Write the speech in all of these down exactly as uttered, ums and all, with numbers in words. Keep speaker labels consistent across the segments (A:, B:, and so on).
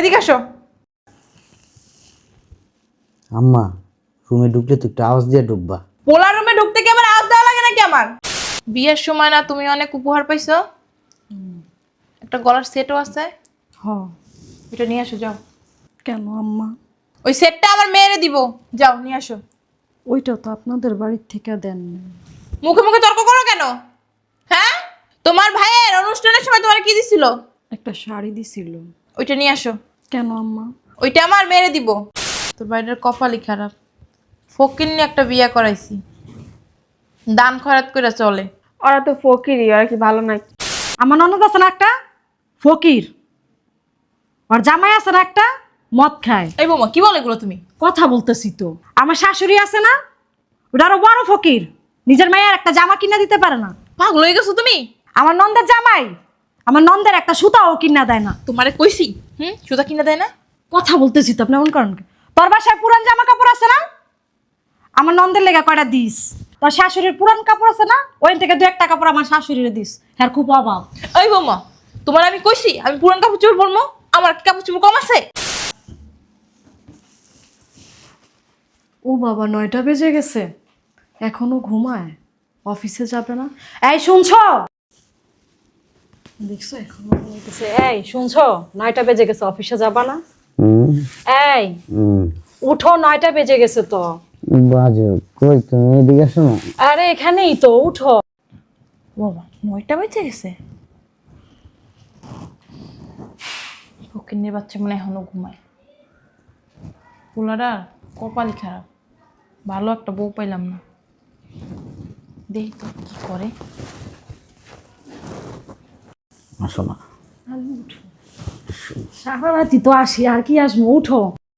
A: এদিকে আসো।
B: আম্মা রুমে ঢুকলে তো একটু আওয়াজ দিয়ে ঢুকবা।
A: পোলা রুমে ঢুকতে কি আমার আওয়াজ দেওয়া লাগে নাকি আমার? বিয়ের সময় না তুমি অনেক উপহার পাইছো, একটা গলার সেটও আছে।
C: হ।
A: এটা নিয়ে আসো যাও।
C: কেন আম্মা?
A: ওই সেটটা আমার মেয়েরে দিব, যাও নিয়ে আসো।
C: ওইটা তো আপনাদের বাড়ির থেকে দেন।
A: মুখে মুখে তর্ক করো কেন? হ্যাঁ, তোমার ভাইয়ের অনুষ্ঠানের সময় তোমার কি দিছিল?
C: একটা শাড়ি দিছিল।
A: ওইটা নিয়ে আসো।
C: কেন আম্মা?
A: ওইটা আমার মেয়েরে দিব। তোর বাড়ির কপালই খারাপ, ফকির নিয়ে একটা বিয়ে করাইছি, দান খয়রাত করে চলে।
D: ওরা তো ফকিরই, ওরা কি ভালো নাই?
C: আমার ননদ আছে না একটা ফকির, আর জামাই আছে না একটা মদ খায়।
A: এই বৌমা কি বলে এগুলো তুমি?
C: কথা বলতেছি তো। আমার শাশুড়ি আছে না, ওটা আরো বড় ফকির, নিজের মায়ের একটা জামা কিনা দিতে পারে না।
A: পাগল হয়ে গেছো তুমি?
C: আমার নন্দের জামাই আমার নন্দের একটা সুতাও কিনা দেয় না।
A: তোমারে কইছি হুম সুতা কিনা দেয় না?
C: কথা বলতেছি তো, আপনি এমন করেন কেন? তোর বাসায় পুরান জামা কাপড় আছে না, আমার নন্দের লেগা কয়টা দিস। তোর শাশুড়ির পুরান কাপড় আছে না, ওই থেকে দু একটা কাপড় আমার শাশুড়িরে দিস। হ্যাঁ খুব অভাব।
A: এই বৌমা তোমার আমি কইছি আমি পুরান কাপড় চোপড় বলবো? আমার কি কাপড় চোপড় কম আছে?
C: ও বাবা, নয়টা বেজে গেছে, এখনো ঘুমায়, অফিসে যাবে না? এই শুনছো, দেখছো এখনো ঘুমাইতেছে। এই শুনছো, নয়টা বেজে গেছে, অফিসে যাবা না? এই উঠো, নয়টা বেজে গেছে তো।
B: বাজে কই তুমি এদিকে আসো না।
C: আরে এখানেই তো, উঠো।
A: বাবা নয়টা বেজে গেছে, ফকিন্নির বাচ্চা মনে হয় এখনো ঘুমায়। পোলারা কপালই খারাপ, ভালো একটা বউ পাইলাম না। দেখি তো কি করে।
B: আসো না।
C: সারা রাতি তো আসি, আর কি আসবো, উঠো।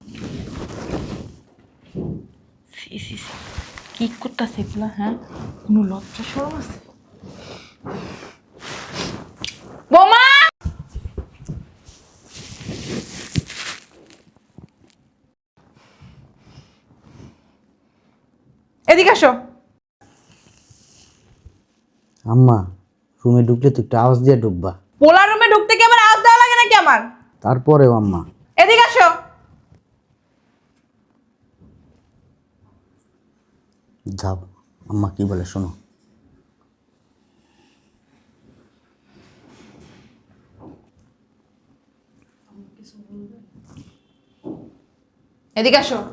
A: সি সি সি কি করতেছে এগুলা? হ্যাঁ কোনো লজ্জা শরম আছে? বোমা এদিকে আসো।
B: আম্মা রুমে ঢুকলে তো একটু আওয়াজ দিয়ে ঢুকবা।
A: পোলা রুমে ঢুকতে কি আমার আওয়াজ দেওয়া লাগে নাকি আমার?
B: তারপরেও আম্মা
A: এদিকে আসো।
B: যাও, আম্মা কি বলে শোনো।
A: এদিকে আসো।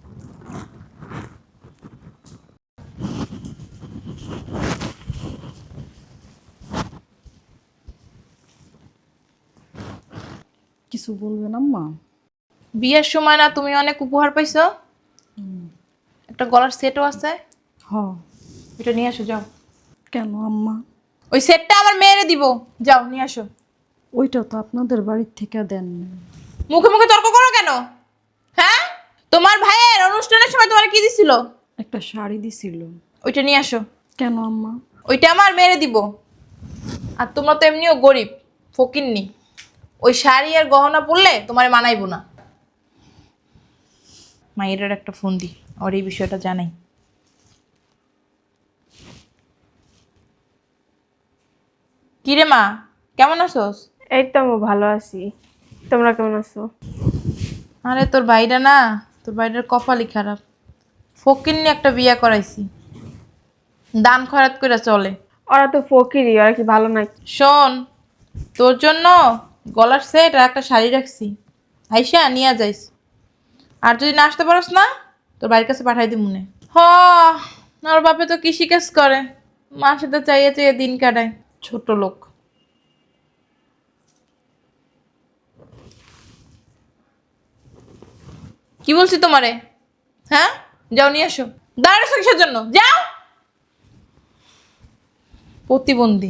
C: কিছু বলবেন আম্মা?
A: বিয়ের সময় না তুমি অনেক উপহার পাইছো, একটা গলার সেটও আছে।
C: হ।
A: এটা নিয়ে আসো যাও।
C: কেন আম্মা?
A: ওই সেটটা আমার মেয়েরে দিব, যাও নিয়ে আসো।
C: ওইটা তো আপনাদের বাড়ির থেকে দেন।
A: মুখে মুখে তর্ক করো কেন? হ্যাঁ, তোমার ভাইয়ের অনুষ্ঠানের সময় তোমার কি দিছিল?
C: একটা শাড়ি দিছিল।
A: ওইটা নিয়ে আসো।
C: কেন আম্মা?
A: ওইটা আমার মেয়েরে দিব। আর তোমরা তো এমনিও গরিব ফকিন্নি, ওই শাড়ি আর গহনা পরলে তোমার মানাইবো না। মায়ের একটা ফোন দি, ওর এই বিষয়টা জানাই। কিরে মা, কেমন আছোস?
D: এই তো আমি ভালো আছি, তোমরা কেমন আছো?
A: আরে তোর ভাইরা না, তোর ভাইটার কপালই খারাপ, ফকিন্নি একটা বিয়ে করাইছি, দান খয়রাত করে চলে।
D: ওরা তো ফকিরই, ওরা কি ভালো নাই?
A: শোন, তোর জন্য গলার সেট আর একটা শাড়ি রাখছি, আইসা নিয়ে যাইস। আর যদি না আসতে পারস না, তোর বাড়ির কাছে পাঠাই দি মনে। হ, আর বাপে তো কৃষিকাজ করে, মার সাথে চাইয়ে চাইয়ে দিন কাটায়, ছোট লোক। কি বলছি তোমারে? হ্যাঁ, যাও নিয়ে আসো। দাঁড়ানো কিসের জন্য? যাও। প্রতিবন্ধী।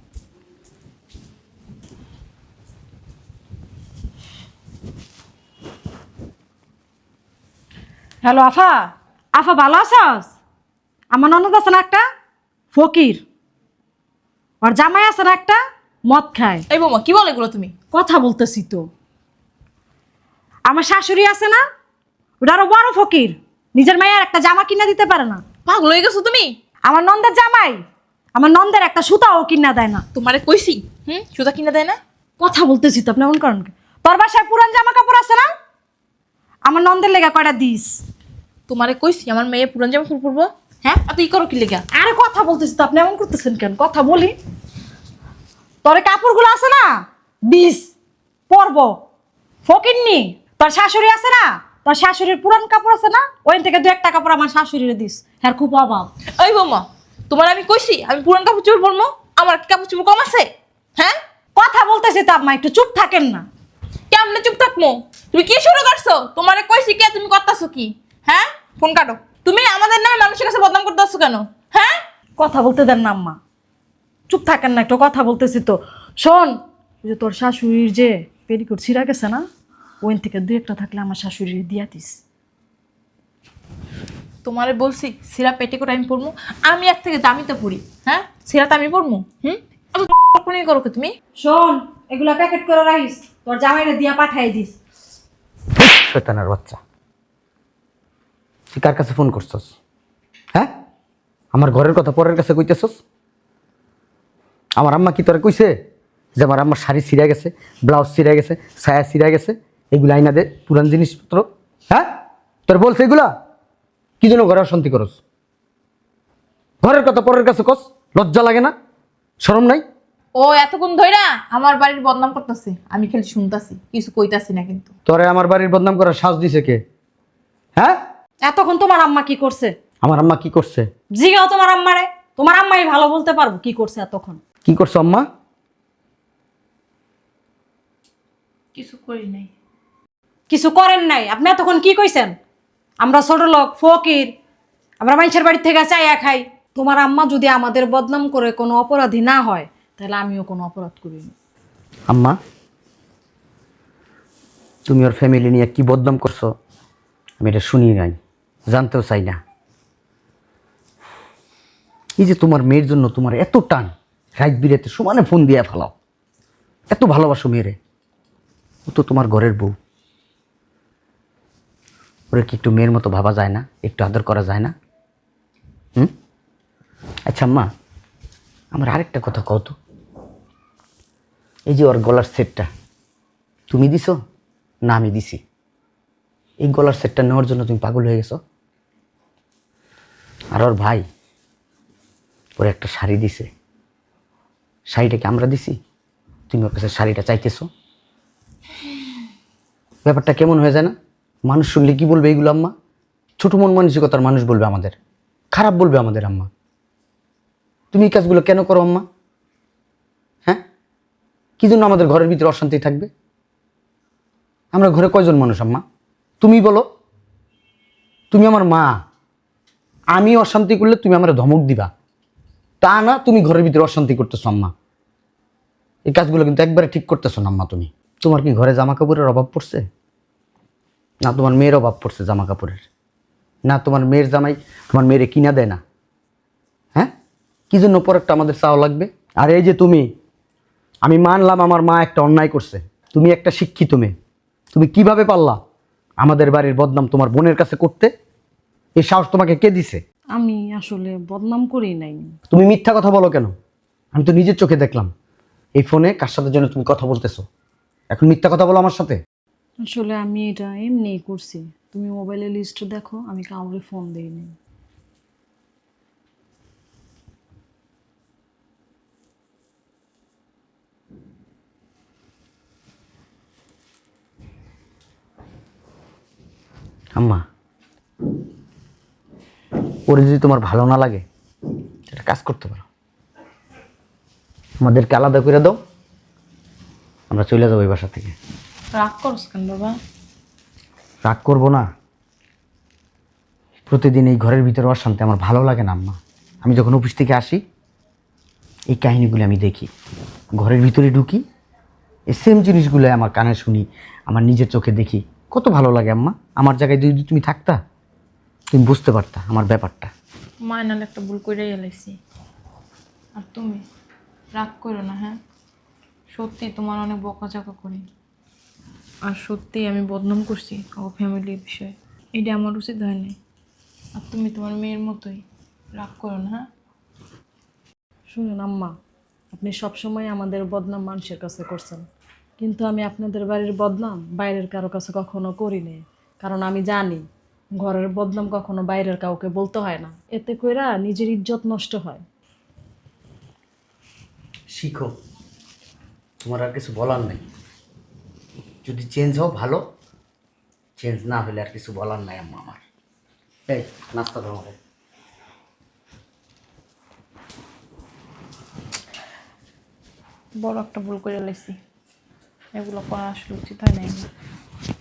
C: হ্যালো আফা, আফা ভালো আছস? আমার ননদ আছে না একটা ফকির, আর জামাই আছে না একটা মদ খায়।
A: এই বৌমা কি বলে এগুলো তুমি?
C: কথা বলতেছি তো। আমার শাশুড়ি আছে না, ওটা আরো বড় ফকির, নিজের মায়ের একটা জামা কিনা দিতে পারে না।
A: পাগল হয়ে গেছো তুমি?
C: আমার নন্দের জামাই আমার নন্দের একটা সুতাও কিনা দেয় না।
A: তোমারে কইছি হুম সুতা কিনা দেয় না?
C: কথা বলতেছি তো, আপনি এমন করেন কেন? তোর বাসায় পুরান জামা কাপড় আছে না? আমার নন্দের লেগা কয়টা দিস।
A: তোমারে কইছি আমার মেয়ে পুরান জামা কাপড় পরবো? হ্যাঁ, আর তুই করো কি লেগা?
C: আরে কথা বলতেছি তো, আপনি এমন করতেছেন কেন? কথা বলি। তোর এই কাপড়গুলো আছে না, দিস পরব। ফকিন্নি, তোর শাশুড়ি আছে না, তোর শাশুড়ির পুরান কাপড় আছে না, ওই থেকে দু একটা কাপড় আমার শাশুড়িরে দিস। হ্যাঁ, খুব অভাব।
A: ওই বৌমা, তোমার আমি কইছি আমি পুরান কাপড় চোপড় পরবো? আমার কি কাপড় চোপড় কম আছে? হ্যাঁ,
C: কথা বলতেছি তো আম্মা, একটু চুপ থাকেন না।
A: কেমনে চুপ থাকবো? তুমি কি শুরু করছো? তোমারে কইছি কে, তুমি করতেছো কি? হ্যাঁ, ফোন কাটো। তুমি আমাদের নামে মানুষের কাছে বদনাম করতেছো কেন? হ্যাঁ,
C: কথা বলতে দেন না আম্মা, চুপ থাকেন না একটু, কথা বলতেছি তো। শোন, ওই যে তোর শাশুড়ির যে পেরিকোট ছিঁড়া গেছে না, ওইন থেকে দুই একটা থাকলে আমার শাশুড়ির দিয়া দিস।
A: তোমারে বলছি সিরা পেটে করে আমি পড়বো? আমি এক থেকে দামি তো পড়ি। হ্যাঁ, সিরাটা আমি পড়বো? হুম, কোনি করো কি তুমি?
C: শোন, এগুলা প্যাকেট করে রাখিস, তোর জামাইরে দিয়া পাঠাই দিস।
B: শয়তানের বাচ্চা, তুই কার কাছে ফোন করছস? হ্যাঁ, আমার ঘরের কথা পরের কাছে কইতেছস? আমার আম্মা কি তোরে কইছে যে আমার আম্মার শাড়ি ছিঁড়া গেছে, ব্লাউজ ছিঁড়া গেছে, ছায়া ছিঁড়া গেছে, এগুলো আইনা দে, পুরান জিনিসপত্র? হ্যাঁ, তোর বলছে এগুলা? কি জন্য ঘরে অশান্তি করস? ঘরের কথা পরের কাছে কস, লজ্জা লাগে না, শরম নাই?
A: ও এতক্ষণ ধইরা আমার বাড়ির বদনাম করতেছে, আমি খালি শুনতাছি, কিছু কইতাছি না কিন্তু।
B: তোরে আমার বাড়ির বদনাম করার সাহস দিছে কে? হ্যাঁ,
C: এতক্ষণ তোমার আম্মা কি করছে?
B: আমার আম্মা কি করছে?
C: জিগাও তোমার আম্মারে, তোমার আম্মাই ভালো বলতে পারবো কি করছে এতক্ষণ।
B: কি করছো আম্মা?
A: কিছু করি নাই।
C: কিছু করেন নাই? আপনি এতক্ষণ কি কইছেন? আমরা ছোট লোক, ফকির, আমরা মানুষের বাড়ি থেকে চাইয়া খাই। তোমার আম্মা যদি আমাদের বদনাম করে কোনো অপরাধী না হয়, তাহলে আমিও কোনো অপরাধ করিনি।
B: আম্মা, তুমি ওর ফ্যামিলি নিয়ে কি বদনাম করছো আমি এটা শুনি নাই, জানতেও চাই না। এই যে তোমার মেয়ের জন্য তোমার এত টান, রাত বিরাতে সমানে ফোন দিয়ে ফেলাও, এত ভালোবাসো মেয়েরে, ও তো তোমার ঘরের বউ, ওরে কি একটু মেয়ের মতো ভাবা যায় না? একটু আদর করা যায় না? হুম? আচ্ছা আম্মা, আমার আরেকটা কথা কও তো, এই যে ওর গলার সেটটা তুমি দিছো না আমি দিছি? এই গলার সেটটা নেওয়ার জন্য তুমি পাগল হয়ে গেছো? আর ওর ভাই ওর একটা শাড়ি দিছে, শাড়িটাকে আমরা দিছি, তুমি ওর কাছে শাড়িটা চাইতেছো? ব্যাপারটা কেমন হয়ে যায় না? মানুষ শুনলে কি বলবে এইগুলো আম্মা? ছোট মন মানসিকতার মানুষ বলবে আমাদের, খারাপ বলবে আমাদের আম্মা। তুমি এই কাজগুলো কেন করো আম্মা? হ্যাঁ, কি জন্য আমাদের ঘরের ভিতরে অশান্তি থাকবে? আমরা ঘরে কয়জন মানুষ আম্মা? তুমি বলো। তুমি আমার মা, আমি অশান্তি করলে তুমি আমার ধমক দিবা, তা না তুমি ঘরের ভিতরে অশান্তি করতেছো আম্মা। এই কাজগুলো কিন্তু একবারে ঠিক করতেছো না আম্মা তুমি। তোমার কি ঘরে জামা কাপড়ের অভাব পড়ছে? না তোমার মেয়ের অভাব পড়ছে জামা কাপড়ের? না তোমার মেয়ের জামাই তোমার মেয়েরে কিনা দেয় না? হ্যাঁ, কি জন্য পরেরটা আমাদের চাওয়া লাগবে? আর এই যে তুমি, আমি মানলাম আমার মা একটা অন্যায় করছে, তুমি একটা শিক্ষিত মেয়ে, তুমি কিভাবে পারলা আমাদের বাড়ির বদনাম তোমার বোনের কাছে করতে? এই সাহস তোমাকে কে দিছে?
C: আমি আসলে বদনাম করি নাই।
B: তুমি মিথ্যা কথা বলো কেন? আমি তো নিজের চোখে দেখলাম এই ফোনে কার সাথে যেন তুমি কথা বলতেছো, এখন মিথ্যা কথা বলো আমার সাথে?
C: আসলে আমি এটা এমনিই করছি, তুমি মোবাইলে লিস্ট দেখো, আমি কাউরে ফোন দিইনি।
B: আম্মা, ওরে যদি তোমার ভালো না লাগে একটা কাজ করতে পারো, আমাদেরকে আলাদা করে দাও, আমরা চলে যাবো এই বাসা থেকে।
A: রাগ করস কেন বাবা?
B: রাগ করবো না, প্রতিদিন এই ঘরের ভিতরে অশান্তি আমার ভালো লাগে না আম্মা। আমি যখন অফিস থেকে আসি এই কাহিনীগুলো আমি দেখি, ঘরের ভিতরে ঢুকি, এই সেম জিনিসগুলো আমার কানে শুনি, আমার নিজের চোখে দেখি, কত ভালো লাগে আম্মা। আমার জায়গায় যদি তুমি থাকতা তুমি বুঝতে পারতা আমার ব্যাপারটা।
A: মায়নাল একটা ভুল করে এলাইছি, আর তুমি রাগ করো না। হ্যাঁ, সত্যি তোমার অনেক বকাঝকা করি, আর সত্যি আমি বদনাম করছি ও ফ্যামিলির বিষয়ে, এটা আমার উচিত হয়নি। আর তুমি তোমার মেয়ের মতোই, রাগ করো না। হ্যাঁ,
C: শুনুন আম্মা, আপনি সবসময় আমাদের বদনাম মানুষের কাছে করছেন, কিন্তু আমি আপনাদের বাড়ির বদনাম বাইরের কারো কাছে কখনো করিনি, কারণ আমি জানি ঘরের বদনাম কখনো বাইরের কাউকে বলতে হয় না, এতে কইরা নিজের ইজ্জত নষ্ট হয়।
B: শিখো, তোমার আর কিছু বলার নেই। যদি চেঞ্জ হও ভালো, চেঞ্জ না হলে আর কিছু বলার নাই আম্মা আমার। এই নাস্তা দাও আমাকে।
A: বড় একটা ভুল করে লাইছি, এগুলো করা আসলে উচিত হয় নাই।